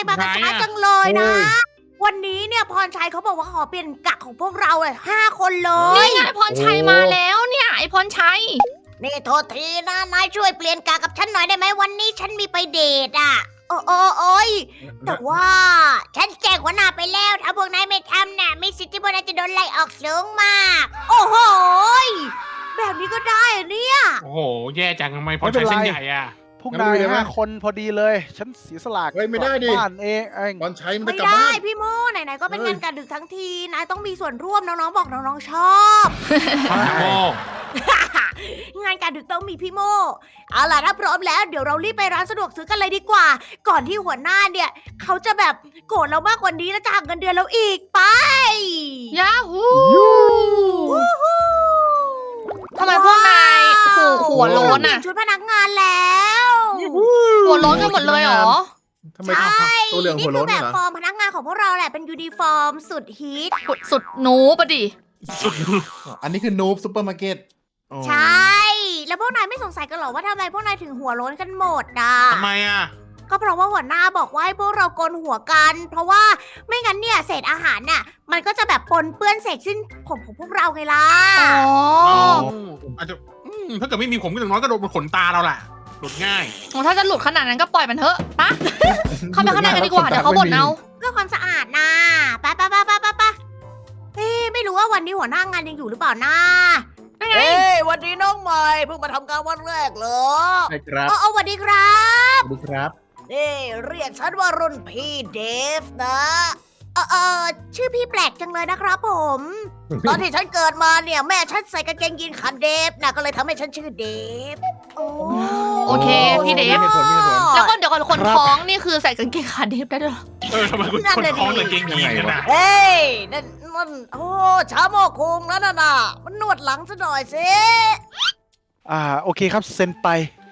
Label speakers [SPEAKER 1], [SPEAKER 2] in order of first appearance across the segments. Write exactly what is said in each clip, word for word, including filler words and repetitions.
[SPEAKER 1] มากันช้าจังเลยนะ วันนี้เนี่ยพรชัยเขาบอกว่าขอเปลี่ยนกะของพวกเราเลยห้าคนเลย
[SPEAKER 2] นี่ไงพรชัยมาแล้วเนี่ยไอพรชัย
[SPEAKER 1] นี่โทษทีนะนายช่วยเปลี่ยนกะกับฉันหน่อยได้ไหมวันนี้ฉันมีไปเดทอ่ะ โอ้โอ้โอ้ยแต่ว่าฉันแจ้งหัวหน้าไปแล้วถ้าพวกนายไม่ทำน่ะมีสิทธิ์ที่พวกนายจะโดนไล่ออกสูงมาก โอ้โหยแบบนี้ก็ได้เหรอเนี่ย
[SPEAKER 3] โอ้โห แย่จังทำไมพอใช้เส้นใหญ่อะ
[SPEAKER 4] พวกนายห้าคนพอดีเลย ฉันเสียสละ
[SPEAKER 5] เฮ้ยไม่ได้ดิ
[SPEAKER 4] บ้านเองเอง
[SPEAKER 5] บอลใช้มัน
[SPEAKER 1] ไม่
[SPEAKER 5] จะกลับ
[SPEAKER 1] ได้
[SPEAKER 5] บ้าน
[SPEAKER 1] พี่โมไหนๆก็เป็น
[SPEAKER 5] เฮ้ย
[SPEAKER 1] งานการดึกทั้งทีนายต้องมีส่วนร่วมน้องๆบอกน้องๆชอบ
[SPEAKER 3] โอ้
[SPEAKER 1] งานการดึกต้องมีพี่โมเอาล่ะถ้าพร้อมแล้วเดี๋ยวเรารีบไปร้านสะดวกซื้อกันเลยดีกว่า ก่อนที่หัวหน้าเนี่ย เขาจะแบบโกรธเรามากกว่านี้แล้วจะหักเงินเดือนเราอีกไป
[SPEAKER 2] ยาฮูทำไมพวกนายหัวหัวโล้นอ่ะ
[SPEAKER 1] ชุดพนักงานแล้ว
[SPEAKER 2] หัวโล้นกันหมดเลยเหรอ
[SPEAKER 5] ทำไม
[SPEAKER 1] ใช่
[SPEAKER 5] ตัวเหลือง
[SPEAKER 1] นี่
[SPEAKER 5] หัว
[SPEAKER 1] คื
[SPEAKER 5] โล้
[SPEAKER 1] อน แบบ
[SPEAKER 5] เหรอ
[SPEAKER 1] ฟอร์มพนักงานของพวกเราแหละเป็นยูนิฟอร์มสุดฮิต
[SPEAKER 2] สุดสุดหนูปะดิ
[SPEAKER 5] อันนี้คือนูบซูเปอร์มาร์เก็ตอ๋อ
[SPEAKER 1] ใช่ แล้วพวกนายไม่สงสัยกันเหรอว่าทำไมพวกนายถึงหัวโล้นกันหมดอ่ะ
[SPEAKER 3] ทำไมอะ
[SPEAKER 1] ก็เพราะว่าหัวหน้าบอกว่าให้พวกเราโกนหัวกัน เพราะว่าไม่งั้นเนี่ยเศษอาหารน่ะมันก็จะแบบปนเปื้อนเศษสิ้นผมของพวกเราไงล่ะ
[SPEAKER 2] อ๋อ
[SPEAKER 3] อาจจะอืมถ้าเกิดไม่มีผมก็อย่างน้อยก็โดนบนขนตาเราแหละหลุดง่าย
[SPEAKER 2] โอ้ถ้าจะหลุดขนาดนั้นก็ปล่อยมันเถอะปะเข้าไปข้างในกันดีกว่าเดี๋ยวเขาบ่นเอา
[SPEAKER 1] เพื่อความสะอาดนะไปไปไปไปไปไปเฮ้ไม่รู้ว่าวันนี้หัวหน้างานยังอยู่หรือเปล่านะเฮ้ยวันนี้น้องใหม่เพิ่งมาทำการวันแรกเหรอ
[SPEAKER 5] ใช่ครับ
[SPEAKER 1] อ๋อสวัสดีครับ
[SPEAKER 5] สวัสดีครับ
[SPEAKER 1] นี่เรียกฉันว่ารุ่นพี่เดฟนะเออเออชื่อพี่แปลกจังเลยนะครับผม ตอนที่ฉันเกิดมาเนี่ยแม่ฉันใส่กางเกงยีนขาเดฟนะก็เลยทำให้ฉันชื่อเดฟโอ้
[SPEAKER 2] โอเคพี่เดฟ
[SPEAKER 5] มีเหตุผลมีเหตุผล
[SPEAKER 2] แล้วก็เดี๋ยวก่อนคนท้องนี่คือใส่กางเกงขาเดฟได้ด้วยเหรอ
[SPEAKER 3] เออทำไมคุณคนท้องแต่เกงยีนกันนะ
[SPEAKER 1] เฮ้ยนั่นมันโอ้ชาโมกคุงแล้วน่ะน่ะมันนวดหลังซะหน่อยสิ
[SPEAKER 4] อ่าโอเคครับเซ็นไป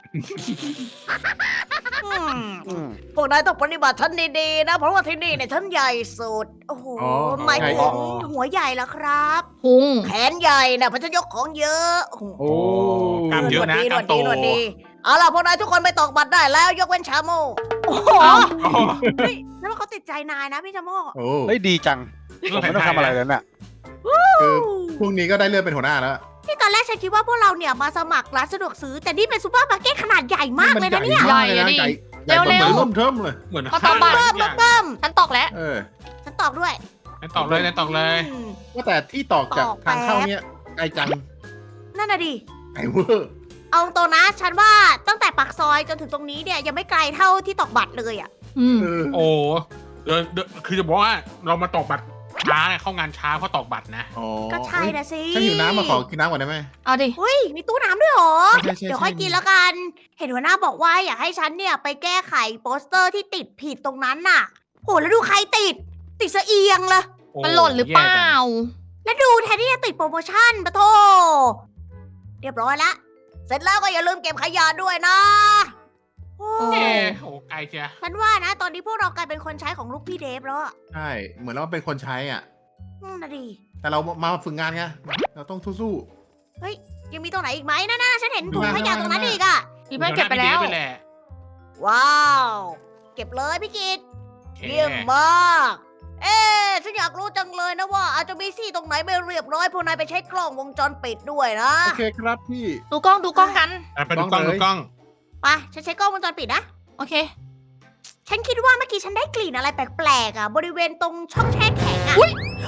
[SPEAKER 1] อืม
[SPEAKER 4] อืม
[SPEAKER 1] พวกนายต้องปฏิบัติฉันดีๆนะ เพราะว่าที่นี่เนี่ยฉันใหญ่สุด โอ้โห
[SPEAKER 5] อ๋อ
[SPEAKER 1] หมายถึ
[SPEAKER 5] อ๋
[SPEAKER 1] ง
[SPEAKER 5] อ
[SPEAKER 1] หัวใหญ่แล้วครับ
[SPEAKER 2] พุง
[SPEAKER 1] แขนใหญ่นะเพราะฉันยกของเยอะโอ้โห
[SPEAKER 5] โอ้
[SPEAKER 3] กล้ามเยอะนะ
[SPEAKER 1] ห
[SPEAKER 3] ก
[SPEAKER 1] น
[SPEAKER 3] ล้าว ม
[SPEAKER 1] ด
[SPEAKER 3] โต
[SPEAKER 1] ดีหนวดดีเอาล่ะพวกนายทุกคนไปตอกบัตรได้แล้วยกเว้นชาโมโอ้โห
[SPEAKER 2] อ้าว
[SPEAKER 3] โอ้
[SPEAKER 1] เฮ้ยแล้วเขาติดใจนายนะพี่ชาโม
[SPEAKER 5] โอ้
[SPEAKER 4] เฮ้ยดีจัง
[SPEAKER 3] เรื่
[SPEAKER 4] ผ
[SPEAKER 3] อง
[SPEAKER 4] ม ไม่ต้อง
[SPEAKER 3] แผนไทย
[SPEAKER 4] ทำอะไรแล้วเนี่ย
[SPEAKER 5] คือพรุ่งนี้ก็ได้เลื่อนเป็นหัวหน้าแล้ว
[SPEAKER 1] ที่ตอนแรกฉันคิดว่าพวกเราเนี่ยมาสมัครร้านสะดวกซื้อ แต่นี่เป็นซูเปอร์มาร์เก็ตขนาดใหญ่มากเลยนะเนี่ย
[SPEAKER 2] ใหญ่อะดิ
[SPEAKER 5] ใหญ่ใหญ่กว่าเหมือนร่มเทิมเลย
[SPEAKER 3] เหมือน
[SPEAKER 2] เอาตามบัตร
[SPEAKER 1] เบิ่ม
[SPEAKER 3] อย่าง
[SPEAKER 1] เบิ่ม
[SPEAKER 2] ฉันตอกแล้ว
[SPEAKER 5] เออ
[SPEAKER 1] ฉันตอบด้วย
[SPEAKER 3] นั่นตอกเลยนั่นตอกเลย
[SPEAKER 1] อืม
[SPEAKER 5] ว่าแต่ที่ตอกจาก
[SPEAKER 1] ตอก
[SPEAKER 5] ทางเข้า
[SPEAKER 1] แป๊บ
[SPEAKER 5] เนี่ยไกลจัง
[SPEAKER 1] นั่นน่ะดิ
[SPEAKER 5] ไกลเวอร์
[SPEAKER 1] เอาตรงนะฉันว่าตั้งแต่ปากซอยจนถึงตรงนี้เนี่ยยังไม่ไกลเท่าที่ตอกบัตรเลยอ่ะ
[SPEAKER 2] อืม
[SPEAKER 5] เออ
[SPEAKER 3] โอ้เดี๋ยวเดี๋ยวคือจะบอกว่าเรามาตอกบัตรช้าเนี่ยเข้างานช้าเพราะตอกบัตรนะ
[SPEAKER 5] อ๋อ
[SPEAKER 1] ก็ใช่นะสิ
[SPEAKER 5] ฉันหิวน้ำมาขอกินน้ำก่อนได้ไหม
[SPEAKER 2] เอาดิ
[SPEAKER 1] เฮ้ยมีตู้น้ำด้วยเหรอ
[SPEAKER 5] ใช่ใช่ใช่
[SPEAKER 1] เดี๋ยวค่อยกินแล้วกัน เห็นหัวหน้าบอกว่าอยากให้ฉันเนี่ยไปแก้ไขโปสเตอร์ที่ติดผิดตรงนั้นน่ะโหแล้วดูใครติด ติดสะเอียงเลย
[SPEAKER 3] โอ้
[SPEAKER 2] มันหล่นหรือเปล่า
[SPEAKER 3] แย่จัง
[SPEAKER 1] แล้วดูแทนที่จะติดโปรโมชั่นปะโทเรียบร้อยละเสร็จแล้วก็อย่าลืมเก็บขยะด้วยนะโอ้
[SPEAKER 3] เอ๊ะโอ้ไกลเชีย
[SPEAKER 1] ฉันว่านะ ตอนนี้พวกเรากลายเป็นคนใช้ของลูกพี่เดฟแล้วอะ
[SPEAKER 5] ใช่ เหมือนเราเป็นคนใช้อ่ะ
[SPEAKER 1] อืมนะดี
[SPEAKER 5] แต่เรามาฝึกงานไง เราต้องสู้
[SPEAKER 1] ยังมีตรงไหนอีกไหมนั่นๆฉันเห็นถุงขยะตรงนั้นอีกอะ
[SPEAKER 2] พี่แม่เก็บไปแล้ว
[SPEAKER 3] ไปแหละ
[SPEAKER 1] ว้าว เก็บเลยพี่กิต
[SPEAKER 3] โอเค
[SPEAKER 1] เยี่ยมมาก เอ๊ะฉันอยากรู้จังเลยนะว่า อาจจะมีซี่ตรงไหนไม่เรียบร้อยพวกนายไปใช้กล้องวงจรปิดด้วยนะ
[SPEAKER 5] ๆ โอเคครับพี่
[SPEAKER 2] ดูกล้องดูกล้องกัน
[SPEAKER 3] อ่ะไปดูกล้องดูกล้อง
[SPEAKER 1] ไปฉันใช้กล้องวงจรปิดนะ
[SPEAKER 2] โอเค
[SPEAKER 1] ฉันคิดว่าเมื่อกี้ฉันได้กลิ่นอะไรแปลกๆอ่ะ บริเวณตรงช่องแช่แข็งอ่ะ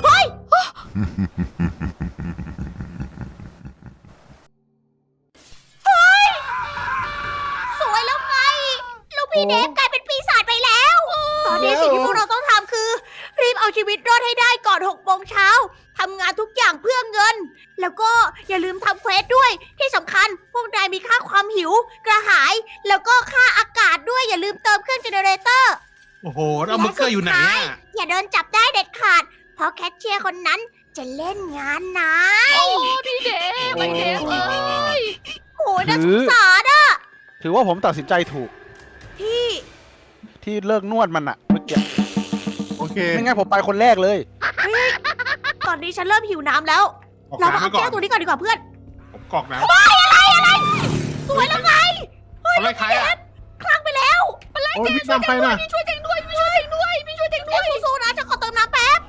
[SPEAKER 1] สวยแล้วไง ลูกพี่เดฟกลายเป็นปีศาจไปแล้ว ตอนนี้สิ่งที่พวกเราต้องทำคือ รีบเอาชีวิตรอดให้ได้ก่อนหกโมงเช้าทำงานทุกอย่างเพื่อเงิน แล้วก็อย่าลืมทำเควสด้วย ที่สำคัญพวกนายมีค่าความหิว กระหาย แล้วก็ค่าอากาศด้วยอย่าลืมเติมเครื่องเจเนเรเตอร์
[SPEAKER 3] โอ้โหแล้วเบอร์เกอร์อยู่ไหนอ่ะ
[SPEAKER 1] อย่าโดนจับได้เด็ดขาด เพราะแคชเชียร์คนนั้นจะเล่นงานนะ
[SPEAKER 2] โอ้พี่เดฟพี่เดฟเอ้ย
[SPEAKER 1] โอ้ยน่าสงสารอะ
[SPEAKER 4] ถือว่าผมตัดสินใจถูก
[SPEAKER 1] พี่
[SPEAKER 4] ที่เลิกนวดมันอะเมื่อกี้
[SPEAKER 5] โอเค
[SPEAKER 4] ไม่งั้นผมไปคนแรกเลย
[SPEAKER 1] ตอนนี้ฉันเริ่มหิวน้ำแล้ว
[SPEAKER 3] ออก
[SPEAKER 1] เรามา
[SPEAKER 3] น้ำ
[SPEAKER 1] เอา
[SPEAKER 3] ไปก่อ
[SPEAKER 1] แก้
[SPEAKER 3] น
[SPEAKER 1] วตัวนี้ก่อนดีกว่าเพื่อน
[SPEAKER 3] ผมกรอกน้ำ
[SPEAKER 1] สวยแล้วไง
[SPEAKER 3] อะไรใครอ่ะ
[SPEAKER 1] คลั่งไปแล้ว
[SPEAKER 5] โอ้ยพี่ตามไปนะ
[SPEAKER 2] ช่วยเจงด้วยช่วยเจงด้วย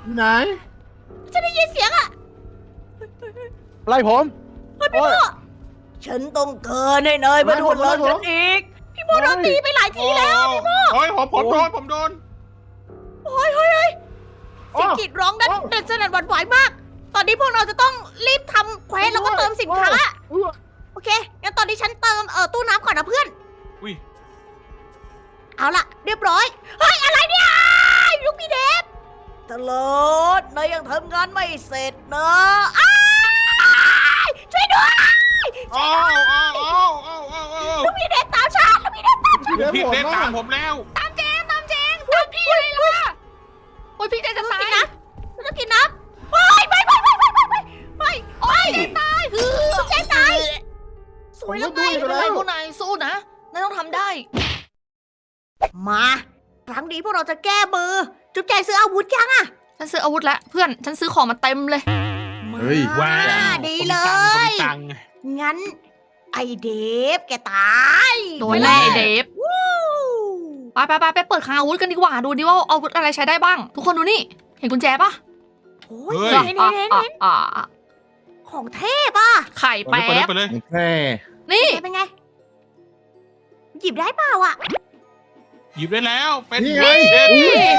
[SPEAKER 5] ไหน
[SPEAKER 1] ฉันได้ยินเสียงอะ
[SPEAKER 4] ไล่ผม
[SPEAKER 1] เฮ้ยพี่โมฉันต้องเกินให้นายมาโดนเลยฉันอีก พี่โมโดนตีไปหลายทีแล้วพี่โม
[SPEAKER 3] โอ้ยผมผมโดนผมโดน
[SPEAKER 1] โอ้ยเฮ้ยเฮ้ยเสียงกรีดร้องนั้นเดินสนั่นหวั่นไหวมาก ตอนนี้พวกเราจะต้องรีบทำเควสแล้วก็เติมสินค้า โอเค งั้นตอนนี้ฉันเติมเอ่อตู้น้ำก่อนนะเพื่อน
[SPEAKER 3] อุ้ย
[SPEAKER 1] เอาล่ะ เรียบร้อย เฮ้ย อะไรเนี่ยลูกพี่เดฟตลอดนายยังทำงานไม่เสร็จนะอ้ายช่วยด้วย
[SPEAKER 3] อ้าวอ้าวอ้าวอ้าวอ้าวอ้าว
[SPEAKER 1] ลูกพี่เดฟตามฉันลูกพี่เดฟตามฉัน
[SPEAKER 3] พี่เดฟตามผมแล้ว
[SPEAKER 2] ตามเจงตามเจงตามพี่เลยล่ะโอ้ยพี่เจงจะ
[SPEAKER 1] ต้อง
[SPEAKER 2] ตา
[SPEAKER 1] กิ
[SPEAKER 2] ย
[SPEAKER 1] นน้ำต้องกินน้ำไม่ไม่ไม่ไม่ไม่ไม่ไม่ไม่
[SPEAKER 2] โอ้ยเจงตายคือ
[SPEAKER 1] เจ๊ตายสวยแล้วไง
[SPEAKER 2] ไม่เป็นไรพวกนายสู้นะนายต้องทำได้
[SPEAKER 1] มา ครั้งนี้พวกเราจะแก้มือ จุ๊บแจงซื้ออาวุธยังอะ
[SPEAKER 2] ฉันซื้ออาวุธแล้วเพื่อนฉันซื้อของมาเต็มเลย
[SPEAKER 1] มา
[SPEAKER 5] เฮ้ย
[SPEAKER 3] ว้าว
[SPEAKER 1] ดีเล
[SPEAKER 3] ผมมี
[SPEAKER 1] ย
[SPEAKER 3] ตังค์
[SPEAKER 1] งั้น ไอเดฟแกตาย
[SPEAKER 2] โดนแน่ไอ้เดฟ
[SPEAKER 1] วู้
[SPEAKER 2] ไปไปไปไปเปิดคลังอาวุธกันดีกว่าดูดิว่าอาวุธอะไรใช้ได้บ้าง ทุกคนดูนี่เห็นกุญแจปะ
[SPEAKER 1] โอ้
[SPEAKER 3] เฮ้
[SPEAKER 1] ย
[SPEAKER 3] ย
[SPEAKER 1] เห็น
[SPEAKER 2] อ่ะ
[SPEAKER 1] เห็น
[SPEAKER 2] อ่ะ
[SPEAKER 1] เห็น
[SPEAKER 2] อ่ะอ่ะ
[SPEAKER 1] ของเทพอ่ะ
[SPEAKER 2] ไข่
[SPEAKER 3] ไป
[SPEAKER 2] แป๊
[SPEAKER 3] เลย
[SPEAKER 2] บ
[SPEAKER 3] ไปเลย
[SPEAKER 5] แค่
[SPEAKER 2] นี่
[SPEAKER 1] เป็นไง หยิบได้เปล่าอ่ะ
[SPEAKER 3] หยิบได้แล้วเป็น
[SPEAKER 5] นี่ไง
[SPEAKER 3] เด็ด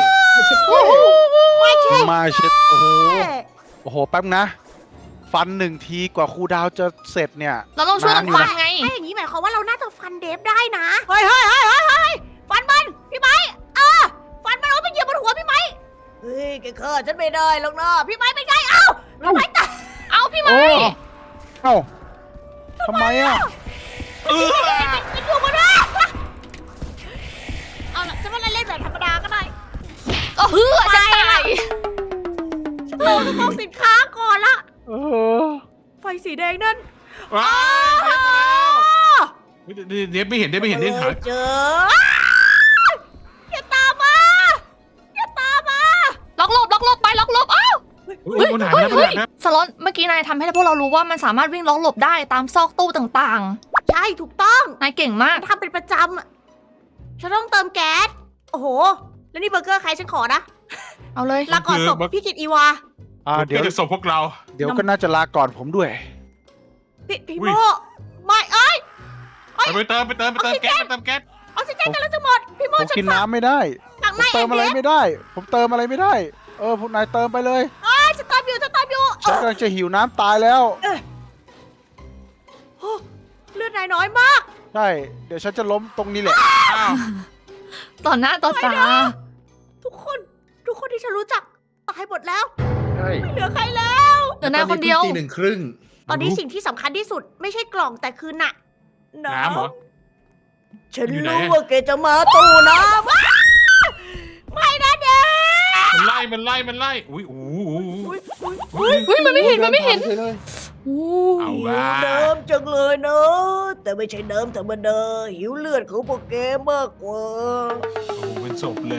[SPEAKER 1] ไม่ใช่
[SPEAKER 4] มาเช็ดโอ้โห โอ้โห แป๊บนะ ฟันหนึ่งทีกว่าครูดาวจะเสร็จเนี่ย
[SPEAKER 2] เราต้องช่วยกันฟังไง
[SPEAKER 1] ถ้าอย่างนี้หมายความว่าเราน่าจะฟันเดฟได้นะ เฮ้ยเฮ้ยเฮ้ยเฮ้ยเฮ้ยฟันมันพี่ไม้เออฟันมันเอาไปเหยียบบนหัวพี่ไม้เฮ้ยแกฆ่าฉันไม่ได้หรอกนะพี่ไม้เป็นไงเอ้าพี่ไม้ตาย
[SPEAKER 2] เอาพี่ไม้
[SPEAKER 4] โอ้เอ้าทำไมอ่ะ
[SPEAKER 3] เออ
[SPEAKER 1] กินอยู่บนหัวเอาล่ะฉันว่าเล่นแบบธรรมดาก็ได้
[SPEAKER 2] ก็เฮือจะตาย
[SPEAKER 1] ฉันต้องต้องสินค้าก่อนละ
[SPEAKER 4] เออ
[SPEAKER 1] ไฟสีแดงนั่น
[SPEAKER 3] ว้าวเดฟมาแล้วเดฟไม่เห็นเดฟไม่เห็นเดฟหา
[SPEAKER 1] เจออย่าตามมาอย่าตามมา
[SPEAKER 2] ล็อกหลบล็อกหลบไปล็อกหลบอ้าว
[SPEAKER 3] เฮ้ยมันหายไปแล้วมันหายไปแล้ว
[SPEAKER 2] สล็อตเมื่อกี้นายทำให้พวกเรารู้ว่ามันสามารถวิ่งล็อกหลบได้ตามซอกตู้ต่าง
[SPEAKER 1] ใช่ถูกต้อง
[SPEAKER 2] ๆนายเก่งมาก
[SPEAKER 1] ทำเป็นประจำอะฉันต้องเติมแก๊สโอ้โห แล้วนี่เบอร์เกอร์ใครฉันขอนะ
[SPEAKER 2] เอาเลย
[SPEAKER 1] ลาก่อนศพพี่กิตอีวา
[SPEAKER 4] อ่า
[SPEAKER 3] เดี๋
[SPEAKER 4] เดี๋
[SPEAKER 3] ย
[SPEAKER 4] ยว ว
[SPEAKER 3] จะส่งพวกเรา
[SPEAKER 4] เดี๋ยวก็น่าจะลาก่อนผมด้วย
[SPEAKER 1] พี่พี่
[SPEAKER 3] อุ้
[SPEAKER 1] โม
[SPEAKER 3] ย
[SPEAKER 1] ไม่เอ้ย
[SPEAKER 3] ไปเติมไปเติมไปเติมแก๊สไปเติมแก๊ส
[SPEAKER 1] ออกซิเจนกันแล้วจะหมด พี่โม
[SPEAKER 4] ผม
[SPEAKER 1] ฉัน
[SPEAKER 4] กิน
[SPEAKER 1] ฝาก
[SPEAKER 4] น้ำไม่ได้
[SPEAKER 1] หลัง
[SPEAKER 4] ผ
[SPEAKER 1] ใน
[SPEAKER 4] มเติมอะไร
[SPEAKER 1] เอ็ม
[SPEAKER 4] ไม่ได้ ผมเติมอะไรไม่ได้ เออพวกนายเติมไปเลย
[SPEAKER 1] เอ้ยฉันตามอยู่ฉันตามอยู่
[SPEAKER 4] ฉันกำลังจะหิวน้ำตายแล้ว
[SPEAKER 1] โอ้เลือดนายน้อยมาก
[SPEAKER 4] ใช่ เดี๋ยวฉันจะล้มตรงนี้แหละ
[SPEAKER 3] อ้าว
[SPEAKER 2] ต่อหน้าต่อตา
[SPEAKER 1] ทุกคน ทุกคนที่ฉันรู้จักตายหมดแล้ว
[SPEAKER 4] ใช่
[SPEAKER 1] ไม่เหลือใครแล้ว
[SPEAKER 2] เหลือนายคนเดียว
[SPEAKER 5] ตีหนึ่งครึ่ง
[SPEAKER 1] ตอนนี้สิ่งที่สำคัญที่สุดไม่ใช่กล่องแต่คือหนัก
[SPEAKER 3] น้ำเหรอ
[SPEAKER 1] ฉัน
[SPEAKER 3] อยู่ไหน
[SPEAKER 1] รู้ว่าแกจะมาตู้น้ำว้าไม่นะเด็ก
[SPEAKER 3] มันไล่มันไล่มันไล่อุ้ยโอ้โห
[SPEAKER 1] อุ๊ยอุ๊ยอุ๊ย
[SPEAKER 2] เฮ้ยมันไม่เห็นมันไม่เห็น
[SPEAKER 5] ดิผ่าฉยเลย
[SPEAKER 2] อู้
[SPEAKER 3] เอา
[SPEAKER 1] หิว
[SPEAKER 3] ว่า
[SPEAKER 1] น้ำจังเลยเนอะแต่ไม่ใช่น้ำธรรมดาหิวเลือดของพวกแกมากกว่า
[SPEAKER 3] โอ้โหเป็นศพเลย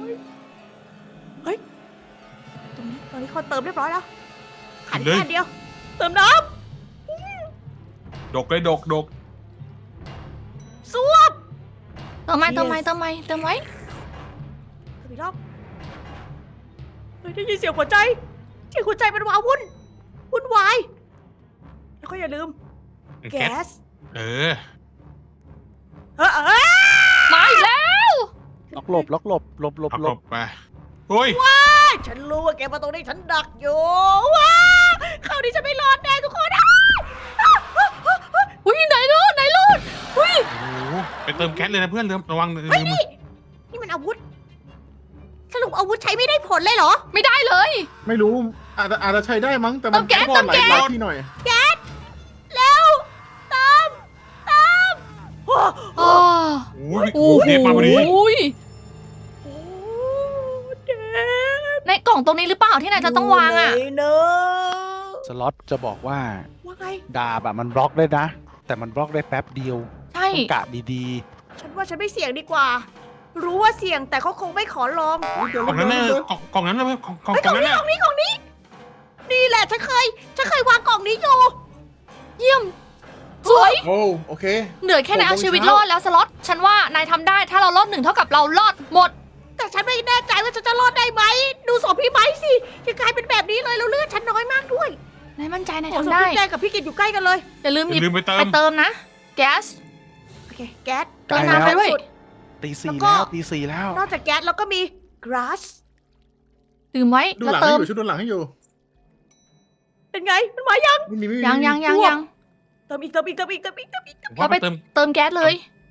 [SPEAKER 1] ตรงนี้ตอนนี้เขาเติมเรียบร้อยแล้วขัน
[SPEAKER 3] เลย
[SPEAKER 1] แค่เดียว เติมน้
[SPEAKER 3] ดกเลยดกดก
[SPEAKER 1] ำซ่วม
[SPEAKER 2] เติมไหมเติมไหมเติมไหมเติมไว้
[SPEAKER 1] เติมอีกรอบเฮ้ยได้ยินเสียงหัวใจเสียงหัวใจมันวาวุ่นวุ่นวายแล้วก็อย่าลืม
[SPEAKER 3] แก๊ส
[SPEAKER 1] แก๊ส
[SPEAKER 3] เออ
[SPEAKER 1] เออเออ
[SPEAKER 2] มาอีกแล้ว
[SPEAKER 4] ล็อกหลบล็อกหลบหลบหลบ
[SPEAKER 3] เอา
[SPEAKER 4] หล
[SPEAKER 3] ก
[SPEAKER 4] บ
[SPEAKER 3] บไปโอ้ย
[SPEAKER 1] ฉันรู้ว่าแกมาตรงนี้ฉันดักอยู่ว้าคราวนี้ฉันไม่รอดแน่ทุกคนอ้าว
[SPEAKER 2] อุ้ยไหนรอดไหนรอดอุ้ย
[SPEAKER 3] โอ้โหไปเติมแก๊สเลยนะเพื่อนเริ่มระวังลืม
[SPEAKER 1] เฮ้ยนี่นี่มันอาวุธ สรุปอาวุธใช้ไม่ได้ผลเลยเหรอ
[SPEAKER 2] ไม่ได้เลย
[SPEAKER 5] ไม่รู้อาจจะอาจจะใช้ได้มั้งแต่มัน
[SPEAKER 2] เติมแก๊ส
[SPEAKER 5] หมดหลาย
[SPEAKER 2] เติมแก๊ส
[SPEAKER 5] หลายที่หน่อย
[SPEAKER 1] แก๊สเร็วตามตามโอ้โห
[SPEAKER 2] อ๋อ
[SPEAKER 3] โอ้ยโอ้โหเดฟมาพอดี
[SPEAKER 2] อุ้ย
[SPEAKER 1] โอ้เด็ก
[SPEAKER 2] ในกล่องตรงนี้หรือเปล่าที่นายจะต้องวางอ่ะ
[SPEAKER 1] ยู่ไหนเนอะ
[SPEAKER 4] สล็อตจะบอกว่า
[SPEAKER 1] ว่าไง
[SPEAKER 4] ดาบอะมันบล็อกได้นะ แต่มันบล็อกได้แป๊บเดียว
[SPEAKER 2] ใช่
[SPEAKER 4] ต้องกะดี
[SPEAKER 1] ฉันว่าฉันไม่เสี่ยงดีกว่า รู้ว่าเสี่ยงแต่เขาคงไม่ขอลอง
[SPEAKER 5] เดี๋ยว
[SPEAKER 3] กล่องนั้นน่ะ
[SPEAKER 5] เดี๋ยว
[SPEAKER 3] กล่องกล่องนั้นนะกล่องกล่อง
[SPEAKER 1] เฮ้ย
[SPEAKER 3] ก
[SPEAKER 1] ก
[SPEAKER 3] ล่
[SPEAKER 1] ล่
[SPEAKER 3] อ
[SPEAKER 1] อง ง
[SPEAKER 3] นั้น
[SPEAKER 1] นี้
[SPEAKER 3] น่ะ
[SPEAKER 1] กล่องนี้กล่องนี้ นี่แหละฉันเคย ฉันเคยวางกล่องนี้อยู่
[SPEAKER 2] เยี่ยมสวย
[SPEAKER 5] โอ้โอเค
[SPEAKER 2] เหนื่อยแค่ไหน
[SPEAKER 5] หกโมง
[SPEAKER 2] เอาชีวิต
[SPEAKER 5] เช้าร
[SPEAKER 2] อดแล้วสล็อตฉันว่านายทำได้ถ้าเรารอดหนึ่งเท่ากับเรารอดหมด
[SPEAKER 1] แต่แต่ฉันไม่แน่ใจว่าฉันจะรอดได้ไหม ดูศพพี่ไม้สิยังกลายเป็นแบบนี้เลยแล้วเลือดฉันน้อยมากด้วย
[SPEAKER 2] นายมั่นใจนาย
[SPEAKER 1] โอ้ศพ
[SPEAKER 2] ทำได้
[SPEAKER 1] พี่แจงกับพี่กิตอยู่ใกล้กันเลย
[SPEAKER 2] อย่าลืม
[SPEAKER 3] อ
[SPEAKER 2] หยิบ
[SPEAKER 3] ย่าลืมไปเติ
[SPEAKER 2] ไป
[SPEAKER 3] ม
[SPEAKER 2] เติมนะ แก๊ส
[SPEAKER 1] โอเค แก๊ส
[SPEAKER 2] เติมน้ำไปด้วย
[SPEAKER 4] ตีสี่
[SPEAKER 1] แล้วก็
[SPEAKER 4] แล้วตีสี่แล้ว
[SPEAKER 1] นอกจากแก๊สแล้วก็มี grass
[SPEAKER 2] ดื่มไว้
[SPEAKER 5] ดู
[SPEAKER 2] แล้ว
[SPEAKER 5] หลัง
[SPEAKER 2] เติ
[SPEAKER 5] ให้
[SPEAKER 2] ม
[SPEAKER 5] อยู่ชุดดูหลังให้อยู่
[SPEAKER 1] เป็นไง มันมายัง
[SPEAKER 5] ไม่มีไม่มี
[SPEAKER 2] ยังยังยังยัง
[SPEAKER 1] เติมอีกเติมอีกเติมอีกเติมอีกเติมอีกเติมอีก
[SPEAKER 3] ผมว่าไปเติม
[SPEAKER 2] เติมแก๊สเลย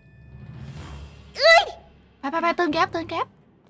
[SPEAKER 2] ไปไปไปเติมแก๊สเติมแก๊ส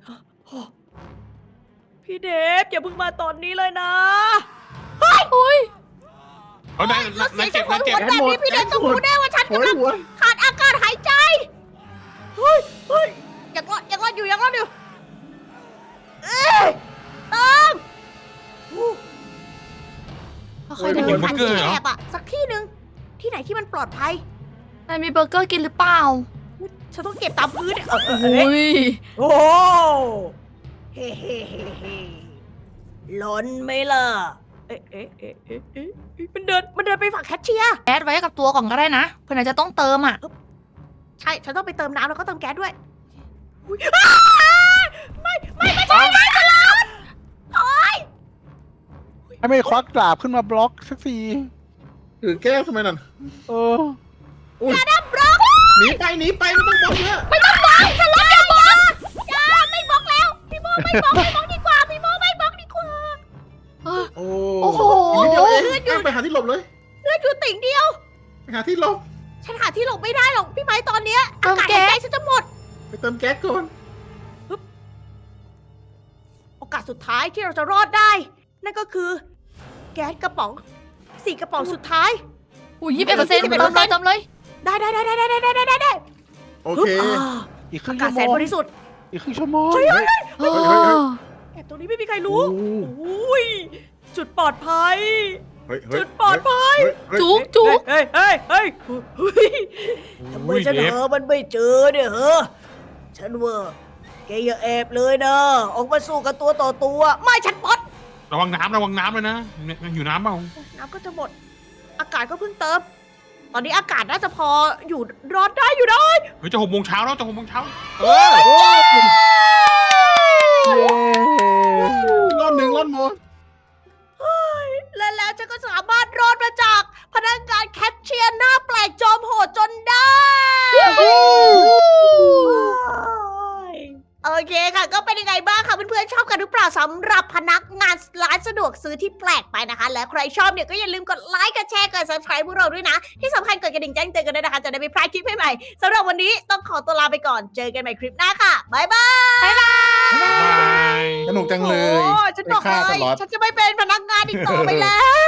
[SPEAKER 1] พี่เดฟอย่าเพิ่งมาตอนนี้เลยนะ
[SPEAKER 2] อุ้ย
[SPEAKER 3] เอาได้
[SPEAKER 1] แล้วเสี
[SPEAKER 3] นาย
[SPEAKER 1] ยง
[SPEAKER 3] เจ็
[SPEAKER 1] จะ
[SPEAKER 3] บ
[SPEAKER 1] หัวน
[SPEAKER 3] ายเจ็
[SPEAKER 1] หั
[SPEAKER 3] บ
[SPEAKER 1] วแบบนี้พี่เดฟต้องรู้แน่ว่าฉัน
[SPEAKER 5] โอย
[SPEAKER 1] กำลัง
[SPEAKER 5] หัว
[SPEAKER 1] ขาดอากาศหายใจ เฮ้ยเฮ้ยยังรอดยังรอดอยู่ยังรอดอยู่เอ้ยเติมอู้
[SPEAKER 2] ค่อยๆ
[SPEAKER 3] ไม่
[SPEAKER 2] เดิ
[SPEAKER 3] กิ
[SPEAKER 2] น
[SPEAKER 3] นเบอร์เกอร์เหรอ
[SPEAKER 1] แอบอะสักที่หนึ่งที่ไหนที่มันปลอดภัย
[SPEAKER 2] นายมีเบอร์เกอร์กินหรือเปล่า
[SPEAKER 1] ฉันต้องเก็บตามพื้นเนี่ยเออเออเอ
[SPEAKER 2] อุ้
[SPEAKER 1] อย โอ้เฮ้เฮ้เฮ้เฮ้ล้นไหมล่ะ เอ๊ะเอ๊ะเอ๊ะเอ๊ะเอ๊ะเอ๊ะมันเดินมันเดินไปฝั่งแคชเชียร์
[SPEAKER 2] แก๊สไว้กับตัวก่อนก็ได้นะเพื่อนายจะต้องเติมอ่ะ
[SPEAKER 1] ใช่ ฉันต้องไปเติมน้ำแล้วก็เติมแก๊สด้วยอุ๊ยอ้าไม่ไม่ไม่ใช่ไม่ตลอดโอ๊ย
[SPEAKER 4] ให้ไม่ควักดาบขึ้นมาบล็อกสักที
[SPEAKER 5] ถือแก้วทำไมนั่น
[SPEAKER 4] เออ
[SPEAKER 5] อุ้ย
[SPEAKER 1] ดับบล็อก
[SPEAKER 5] หนีไปหนีไปไม่ต้องบอกเยอะ
[SPEAKER 1] ไม่ต้องบล็อกฉันรับอย่าบล็อกอย่าไม่บล็อกแล้ว พี่โมไม่บล็อกไม่บล็อกดีกว่า พี่โมไม่บล็อกดีกว่า
[SPEAKER 2] เออ
[SPEAKER 5] โอ้
[SPEAKER 2] โอ้โห
[SPEAKER 5] นิดเดียวเองเอาไปหาที่หลบเลย
[SPEAKER 1] เลือดอยู่ติ่งเดียว
[SPEAKER 5] ไปหาที่หลบ
[SPEAKER 1] ฉันหาที่หลบไม่ได้หรอกพี่ไม้ตอนเนี้ย
[SPEAKER 2] เติ
[SPEAKER 1] อาม กาศ
[SPEAKER 2] แก๊
[SPEAKER 1] หาย
[SPEAKER 2] ส
[SPEAKER 1] ใจฉันจะหมด
[SPEAKER 5] ไปเติมแก๊สก่อน
[SPEAKER 1] โอกาสสุดท้ายที่เราจะรอดได้ นั่นก็คือ แก๊สกระป๋องสี่กระป๋องสุดท้าย
[SPEAKER 2] อุ้ยยี่สิบเอ็ดเปอร์เซ็นต์เติมเลยเติมเลย
[SPEAKER 1] ได้ได้ได้ได้ได้ได้ได้ได้ได้
[SPEAKER 5] โอเค
[SPEAKER 1] อ่า
[SPEAKER 4] อีกครึ่
[SPEAKER 1] อาง กา
[SPEAKER 4] ชั่
[SPEAKER 1] ศ
[SPEAKER 4] วโมง
[SPEAKER 1] แสนบริสุทธิ์
[SPEAKER 4] อีกครึ่งชั่วโมง
[SPEAKER 1] เฮ้ยเฮ้ย
[SPEAKER 2] เอ
[SPEAKER 5] เฮ้ยเฮ้ยเฮ้ย
[SPEAKER 2] อ
[SPEAKER 1] แอบตรงนี้ไม่มีใครรู้
[SPEAKER 5] โอ้
[SPEAKER 1] อุ้ยจุดปลอดภัย
[SPEAKER 5] เฮ้ยเฮ้ย
[SPEAKER 1] จุดปลอดภัย
[SPEAKER 5] เฮ้ย
[SPEAKER 2] จุกจุก
[SPEAKER 1] เฮ้ยเฮ้ยเฮ้ยเฮ้ยทำไม
[SPEAKER 3] อุ้ย
[SPEAKER 1] ฉัน
[SPEAKER 3] เดฟ
[SPEAKER 1] หามันไม่เจอเนี่ยเหรอฉันว่าแกอย่าแอบเลยนะ ออกมาสู้กันตัวต่อตัว ไม่ฉันปลด
[SPEAKER 3] ระวังน้ำระวังน้ำเลยนะเนี่ยอยู่น้ำเปล่า
[SPEAKER 1] น้ำก็จะหมด อากาศก็เพิ่งเติม ตอนนี้อากาศน่าจะพออยู่รอดได้อยู่ได้
[SPEAKER 3] เฮ้ยจะหกโมงเช้าแล้วจะหกโมงเช้า
[SPEAKER 5] เออ
[SPEAKER 4] เย้
[SPEAKER 5] รอบหนึ่งรอบหมด
[SPEAKER 1] และแล้วฉันก็สามารถรอดมาจากพนักงานแคชเชียร์หน้าแปลกจอมโหดจนได้ โอเคค่ะ ก็เป็นยังไงบ้างคะเพื่อนๆชอบกันหรือเปล่าสำหรับพนักงานร้านสะดวกซื้อที่แปลกไปนะคะ และใครชอบเนี่ยก็อย่าลืมกดไลค์กดแชร์กด subscribe พวกเราด้วยนะ ที่สำคัญกดกระดิ่งแจ้งเตือนกันด้วยนะคะ จะได้ไม่พลาดคลิปใหม่ๆสำหรับวันนี้ต้องขอตัวลาไปก่อนเจอกันใหม่คลิปหน้าค่ะบ๊ายบาย
[SPEAKER 3] บาย
[SPEAKER 5] สนุกจังเลย
[SPEAKER 1] โอ้ฉันบอก
[SPEAKER 5] ไปฆ่า
[SPEAKER 1] เล
[SPEAKER 5] ส
[SPEAKER 1] ย
[SPEAKER 5] ล็อต
[SPEAKER 1] ฉันจะไม่เป็นพนักงานอีกต่อไปแล้ว